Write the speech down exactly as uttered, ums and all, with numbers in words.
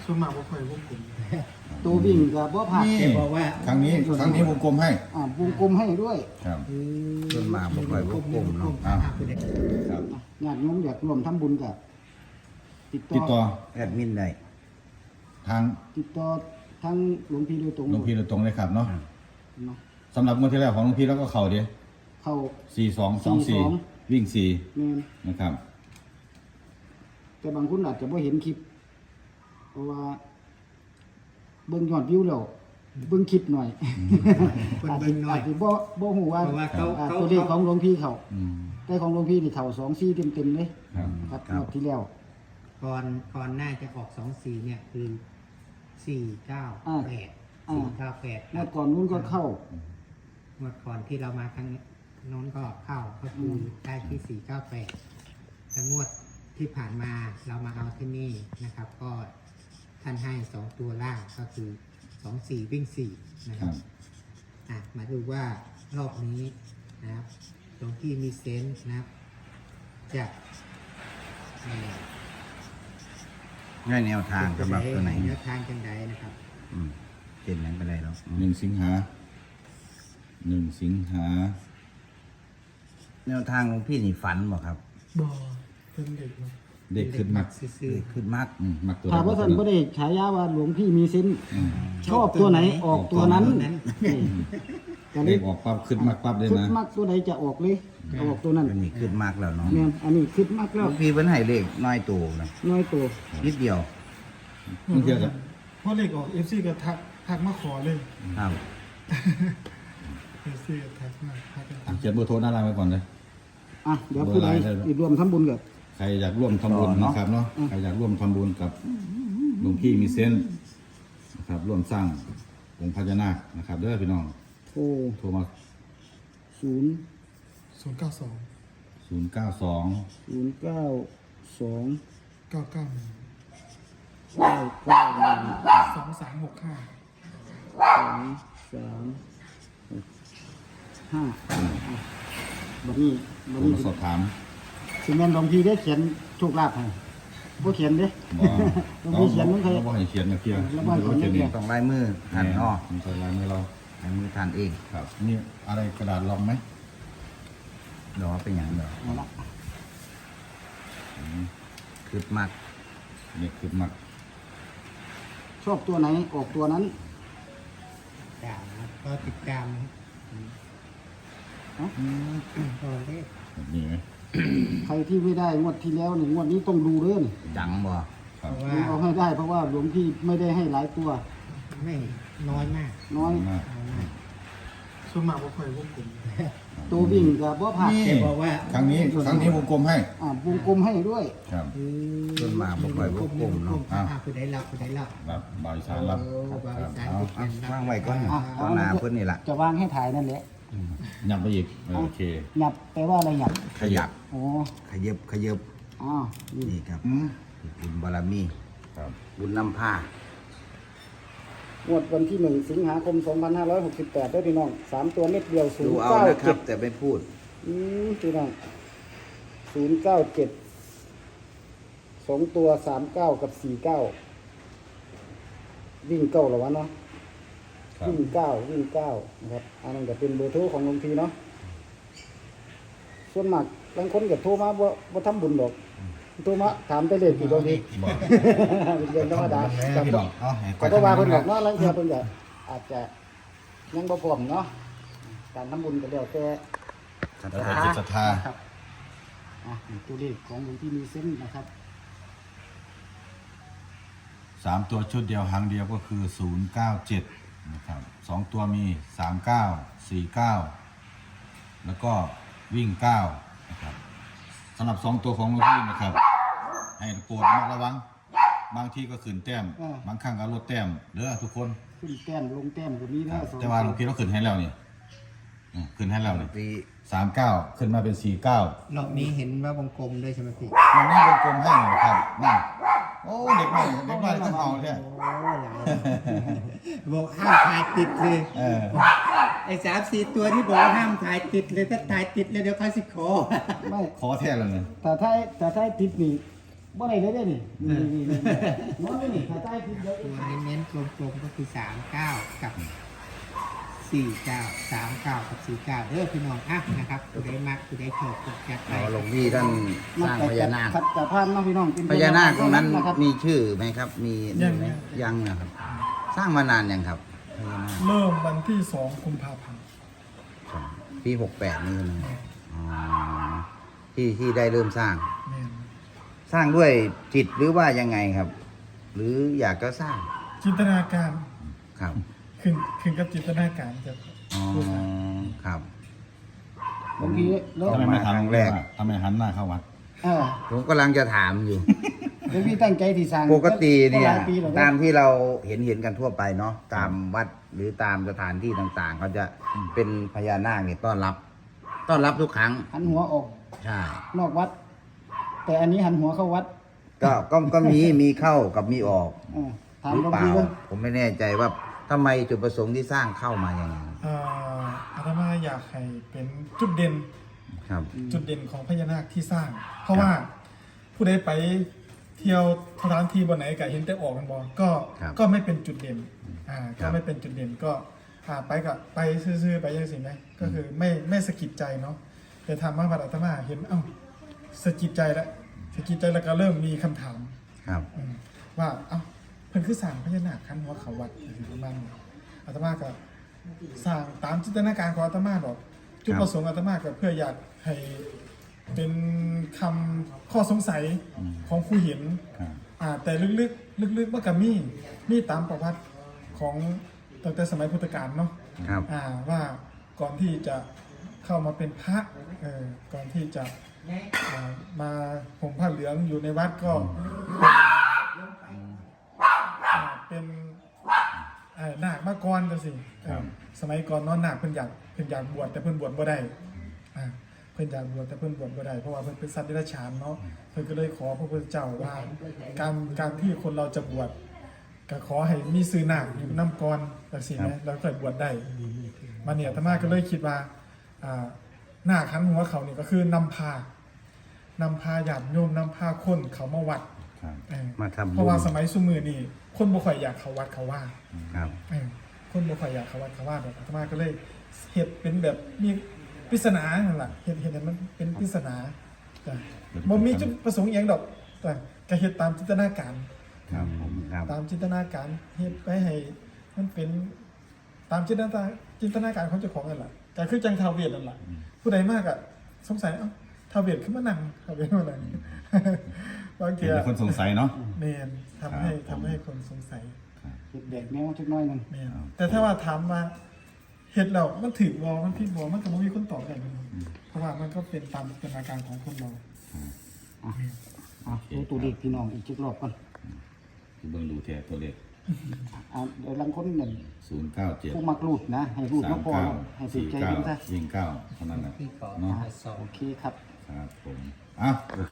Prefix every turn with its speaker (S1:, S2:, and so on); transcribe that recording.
S1: ส่วนมากบ่ค่อยวงกลม
S2: ตัววิ่งกับบ่ผ่าน
S3: นี่
S2: แกบอกว่า
S3: ครั้งนี้ครั้งนี้วงกลมให้
S2: อ่าวงกลมให้ด้วย
S3: ครับ
S4: ส่วนมากบ่ค่อยวงกลมเนาะ
S3: อ่าครับ
S2: ญาติโยมอยากร่วมทำบุญกับติด
S3: ติด
S2: ต่
S3: ต่
S2: อ
S3: อ
S4: แอดมินได้
S3: ทาง
S2: ติดต่อทั้งหลวงพี่โดยตรง
S3: หลวงพี่โดยตรงเลยครับเนาะ
S2: เนาะ
S3: สำหรับงวดที่แล้วของหลวงพี่แล้วก็เข่าเดียว
S2: เข้า
S3: สี่สองสองสี่
S2: สี่สอง
S3: วิ่งสี่
S2: แม่น
S3: นะครับ
S2: แต่บางคนอาจจะบ่เห็นคลิป เพราะว่า เบิ่งยอดวิวแล้วเบิ่งคลิปหน่อย
S1: คน
S2: อาจ
S1: เบิ่
S2: จะ
S1: งหน่อย
S2: อาจจะบ่บ่ฮู้ว่า
S1: เพราะว่าเขา
S2: อ่า
S1: เขา
S2: ตัวเลขของหลวงพี่เขา
S3: อืม
S2: แต่ของหลวงพี่นี่เขาสองสี่เต็มๆเลย
S3: ครับ
S2: ครับรอบที่แล้ว
S1: ก่อนก่อนหน้าจะออกสองสี่เนี่ยคือสี่เก้า
S2: อ่า
S1: แปด
S2: อ่า
S1: สี่เก้าแปด
S2: เมื่อก่อนนู้นก็เข้า
S1: เมื่อก่อนที่เรามาครั้งโน้นก็เข้าก็คือได้ที่สี่เก้าแปดแล้วงวดที่ผ่านมาเรามาเอาที่นี่นะครับ ก็ท่านให้สองตัวล่างก็คือสองสี่วิ่งสี่นะค
S3: ค
S1: รั
S3: รั
S1: บบ อ่ะมาดูว่ารอบนี้นะครับหลวงพี่มีเซนส์นะครับจะเอ่อ
S4: ง่ายแนวทางสำหรับตัวไหน
S1: แนวทางจังใดนะครับ
S4: อืมเจ็ดนั้นก็ได้แล้ว
S3: หนึ่งสิงหาหนึ่งสิงหา
S4: แนวทางของพี่นี่ฝันบ่ครับ
S1: บ่เพิ่งเด็ก
S3: เด็กขึ้นมัก
S1: ซื่อ
S4: ขึ้นมาก
S3: อืมมักตัว
S2: ถามว่าท่าน
S3: ใด
S2: ก็ได้ฉายาว่าหลวงพี่มีเซนส์
S3: อืม
S2: ชอบตัวไหนออกตัวนั้นนี่ก็เล
S3: เด็
S2: ย
S3: กออกปั๊บขึ้นมักปั๊บเลย
S2: คิด
S3: นะ
S2: มากตัวใดจะออกเลยเอาออกตัวนั้น
S4: อันนี้ขึ้นมากแล้วเนาะ
S2: เนี่ยอันนี้คิดมาก
S4: หล
S2: แล้ว
S4: วงพี่เพิ่นให้เลขน้อยตัวนะ
S2: น้อยตัว
S4: นิดเดียว
S3: นี่เทียบกับ
S5: เพราะเลขออก เอฟ ซี ก็ทักทักมาขอเลย
S4: ครับ
S5: เอฟ ซี ก็ทักมาทักกัน
S3: อ่ะเขียนเบอร์โทรหน้าร้านไว้ก่อนเลย
S2: อ่ะเดี๋ยวผู้ใด
S3: เบอร์ไลน์ได้หรอ
S2: อีกรวมทำบุญกับ
S3: ใครอยากร่วมทำบุญนะครับเนาะใครอยากร่วมทำบุญกับหลวงพี่มีเซนส์นะครับ ร่วมสร้างองค์พญานาคนะครับเด้อพี่น้อง
S2: โทร
S3: โทรมา
S2: ศูนย์
S5: ศูนย์เก้าสอง
S3: ศูนย์เก้าสอง
S2: ศูนย์เก้าสอง
S5: เก้าเก้าหนึ่ง
S2: เก้าเก้าหนึ่ง
S5: สองสามหกห้า
S2: สองสามหกห้าอ่ะบัดนี้บัด
S3: โทร
S2: นี้
S3: มาสอบถาม
S2: สิแม่นหลวงพี่ได้เขียนโชคลาภให้บ่เขียนเด้
S3: บ่
S2: หลวงพี่เขียนมันเคย
S3: เราบ่ให้เขียนนะเพียง
S2: แล้วบ่ให้เขียน
S3: เขียนเอง
S4: ต้องลายมือท่านอ้อ
S3: มันใส่ลายมือเรา
S4: ลายมือท่านเอง
S3: ครับนี่อะไรกระดาษรองไหม
S4: เดี๋ยวเป็นอย่างเดียว
S2: เอาละ
S4: ขึ้นมาก
S3: นี่คือมัก
S2: ชอบตัวไหนออกตัวนั้น
S1: ตามนะครับก็ติดตามนะครับตัวเลข
S3: แบบนี้ไหม
S2: ใครที่ไม่ได้งวดที่แล้วนี่งวดนี้ต้องดูเด้อนี่
S4: จังบ่
S3: ครั
S1: เพ
S3: บ
S1: ราะว่า
S2: เอาให้ได้เพราะว่าหลวงพี่ไม่ได้ให้หลายตัว
S1: ไม่น้อยมาก
S2: น้อย
S3: มาก
S1: น้อยมาก
S5: ส่วนมากบ่ค่อยวงกลม
S2: ตัววิ่งกับบ่ผ่าน
S3: นี่
S1: แกบอกว่า
S3: ครั้งนี้ครั้งนี้วงกลมให้
S2: อ่าวงกลมให้ด้วย
S3: ครับ
S4: ส่วนมากบ่ค่อยวงกลมเนาะ
S1: อ่าผู้ใดรับผู้ใดรับ
S3: แบบบายสารรับ
S1: โอ้บริษัท
S4: เอา
S1: ที่เป็นรับ
S4: วางไว้ก่อน
S2: อ่ะ
S4: ต่อหน้าเพิ่นนี่ล่ะ
S2: จะวางให้ถ่ายนั่นแหละ
S3: ยับไปอีกเออโอเค
S2: หยับแปลว่าอะไรหยับ
S4: ขยับ
S2: อ๋อ
S4: ขยับขยับ
S2: อ๋อนี่
S4: นี่ครับ
S3: อืม
S4: บุญบารมี
S3: ครับ
S4: บุญนำพาง
S2: วดวันที่หนึ่งสิงหาคมสองพันห้าร้อยหกสิบแปดด้วยพี่น้องสามตัวเม็ดเดียวศู
S4: ดู
S2: นย์
S4: เอา
S2: เก้า
S4: นะครั
S2: เจ็
S4: บ
S2: ด
S4: แต่ไม่พูด
S2: อืมพี่น้องศูนย์เก้าเจ็ดสองตัวสามเก้ากับสี่เก้าวิ่งเก้าเหรอวะเนาะ
S3: ครับ
S2: วิ่งเก้าวิ่งเก้านะครับอันนั้นก็เป็นเบอร์โทรของหลวงพี่เนาะส่วนมากบางคนก็โทรมาว่าว่าทำบุญดอกโทรมาถามแต่เลขกี่ดอกพี่
S3: บอก
S2: เป็นเรื่องธรรมดา
S3: แม่พี่น้องเอาให้
S2: ก็บ่ว่าเพิ่นดอกเนาะลังเทื่อเพิ่นก็อาจจะยังบ่พร้อมเนาะการทำบุญก็แล้วแต่
S4: ศรัท
S3: แล้ว
S4: ธา
S3: แต่จิตศรัทธา
S2: ครับอ่ะนี่ตัวเลขของหลวงพี่มีเส้นนะครับ
S3: สามตัวชุดเดียวหางเดียวก็คือศูนย์เก้าเจ็ดนะครับสองตัวมีสามเก้าสี่เก้าแล้วก็วิ่งเก้านะครับสำหรับสองตัวของหลวงพี่นะครับ ให้โปรดระมัดระวัง บางที่ก็ขึ้นแต้ม บางครั้งก็ลดแต้มเด้อทุกคน
S2: ขึ้นแต้มลงแต้มก็มี
S3: ค
S2: นะ
S3: รับ
S2: สอง
S3: แต่ว่าหลวงพี่เราขึ้นให้แล้วนี่อืมขึ้นให้แล้วนี่
S4: ปี
S3: สามเก้าขึ้นมาเป็นสี่เก้าร
S1: อบนี้เห็นว่าวงกลมด้วยใช่ไหมพี่
S3: มันนี่วงกลมให้หน่อยครับนั่นโอ้เด็กใหม่เด็กใหม่ก็เอาเนี่ย
S1: โอ้หลายบอกห้ามถ่ายติดเลย
S3: เออ
S1: ไอ้สามสี่ตัวที่บอกว่าห้ามถ่ายติดเลยถ้าถ่ายติดเลยเดี๋ยวเขาสิขอ
S2: ไม่
S3: ขอแท้แล้วเนี่ย
S2: แต่ถ้าถ้าถ้าติดนี่บ่ได้เลยเด้อนี่นี่นี่นี่นอนอยู่นี่ถ้าใต้คือเดี๋ยว
S1: ตัวเน้นๆกลมๆก็คือสามเก้ากับสี่เก้าสามเก้ากับสี่เก้าเด้อพี่น้องอ่ะนะครับผู้ใดมักผู้ใดชอบก็จัดไป
S4: เอาหลวงพี่ท่านสร้างพญานาค
S2: ขัดกับพานเนาะพี่น้องเป็
S4: พญานาคตรงนั้น
S2: นะครับ
S4: มีชื่อไหมครับ มีนี่ไหมยังนะครับ สร้างมานานยังครับพญานาค
S5: เริ่มวันที่สองกุมภาพันธ์
S4: ปีหกแปดนี่ใช่ไหมอ๋อที่ที่ได้เริ่มสร้าง
S5: แม่น
S4: สร้างด้วยจิตหรือว่ายังไงครับ หรืออยากจะสร้าง
S5: จินตนาการ
S4: ครับ
S5: ขึ้นขึ้นกับจินตนาการจะ
S4: อ๋อครับ
S2: บางทีแล้ว
S3: ทำไมไม่
S4: ครั้
S3: ทำ
S4: ง
S3: แร
S4: แร
S3: ก
S4: ก
S3: ทำไมหันหน้าเข้าวัด
S2: เออ
S4: ผมกำลังจะถามอยู่
S2: เดี๋ยวพี่ตั้งใจที่สร้าง
S4: ปกติเนี่ย
S2: หลายปีแล้วนะ
S4: ตามที่เราเห็นเห็นกันทั่วไปเนาะตามวัดหรือตามสถานที่ต่างๆ เขาจะเป็นพญานาคเนี่ยต้อนรับ ต้อนรับทุกครั้ง
S2: หันหัวออก
S4: ใช่
S2: นอกวัด แต่อันนี้หันหัวเข้าวัด
S4: ก็ก็ก็มีมีเข้ากับมีออก
S2: เออถาม
S4: หรือ
S2: หลวง
S4: เปล่า
S2: พี่ว่า
S4: ผมไม่แน่ใจว่าทำไมจุดประสงค์ที่สร้างเข้ามาอย่างไง
S5: เอ่ออาตมาอยากให้เป็นจุดเด่น
S4: ครับ
S5: จุดเด่นของพญานาคที่สร้าง เพราะว่าผู้ใดไปเที่ยวสถานที่บนไหนก็เห็นแต่ออกกันบอก็
S4: ครับ
S5: ก็ไม่เป็นจุดเด่นอ่า
S4: ครั
S5: ก็
S4: บ
S5: ไม่เป็นจุดเด่นก็อ่าไปกับไปซื่อๆไปยังสิไหมก็คือไม่ไม่สะกิดใจเนาะแต่ทำมาบัดอาตมาเห็นเอ้าสะกิดใจแล้วสะกิดใจแล้วก็เริ่มมีคำถาม
S4: ครับ
S5: อืมว่าเอ้าเพิ่นคือสร้างพญานาคคันหัวเขาวัดอยู่ประมาณนี้อาตมาก็สร้างตามจินตนาการของอาตมาดอกจุดประสงค์อาตมาก็เพื่ออยากให้เป็นคำข้อสงสัยของผู้เห็น
S3: ครับ
S5: อ่าแต่ลึกๆลึกๆมันก็มีมีตามประวัติของตั้งแต่สมัยพุทธกาลเนาะ
S4: ครับ
S5: อ่าว่าก่อนที่จะเข้ามาเป็นพระเออก่อนที่จะอ่ามาห่มผ้าเหลืองอยู่ในวัดก็อ่าเป็นเอ่อนาคมาก่อนจังสิเออสมัยก่อนเนอนนาคเพิ่นอยากเพิ่นอยากบวชแต่เพิ่นบวชบ่ได้อ่าเพิ่นอยากบวชแต่เพิ่นบวชบ่ได้เพราะว่าเพิ่นเป็นสัตว์เดรัจฉานเนาะเพิ่นก็เลยขอพระพุทธเจ้าว่าการการที่คนเราจะบวชก็ขอให้มีซื้อนาคอยู่นำก่อนจังซี่นะแล้วค่อยบวชได้ มาเนี่ยอาตมาก็เลยคิดว่าอ่าหน้าคันหัวเขาเนี่ยก็คือนำพานำพาญาติโยมนำพาคนเขามาวัด
S3: ครับ
S5: เออ
S4: มาทำบุญ
S5: เพราะว่าสมัยสุมือนี่คนบ่ค่อยอยากเขาวัดเขาว่า
S4: ครับ
S5: เออคนบ่ค่อยอยากเขาวัดเขาว่าแบบอาตมาก็เลยเฮ็ดเป็นแบบมีปริศนานั่นแหละเฮ็ดเฮ็ดให้มันเป็นปริศนาจ้ะบ่มีจุดประสงค์อหยังดอกแต่ก็เฮ็ดตามจินตนาการ
S3: ครับผม
S4: ครับ
S5: ตามจินตนาการเฮ็ดไปให้มันเป็นตามจินตนาจินตนาการของเจ้าของนั่นแหละก็คือจังทาวเวทนั่นแหละผู้ใดมากอ่ะสงสัยเอ้าทาวเวทขึ้นมานั่งทาวเวทมานั่งบางที
S3: เห็นแต่คนสงสัยเนาะ
S5: เมนทำให้
S3: ครับ
S5: ทำให้คนสงสัย
S2: เห็ดแดกแมวจักหน้อยหนึง
S5: เมนแต่ถ้าว่าถามว่าเห็ดเรามันถือวอมันผิดวอมันก็ไม่มีคนตอบได้เลยเพราะว่ามันก็เป็นตามจินตนาการของคนเรา
S2: อ่ะดูตัวเด็กพี่น้องอีกจักรอบก่อน
S3: คือเบิ่งดูแท้ตัวเลข
S2: อ่ะเดี๋ยวลังคนนั่น
S3: ศูนย์เก้าเจ็ด
S2: ผู้มักรูดนะ ให้รูด
S3: สา
S2: ก็
S3: ม
S2: พอ
S3: เก้า
S2: ให้ติด
S3: สี่
S2: ใจ
S3: เก้า
S2: กันซะ
S3: วิ่งเก้าเท่านั้นแหละ
S1: ที่ขอ
S3: เนาะ
S1: มาสอง
S2: โอเคครับ
S3: ครับผมอ่ะ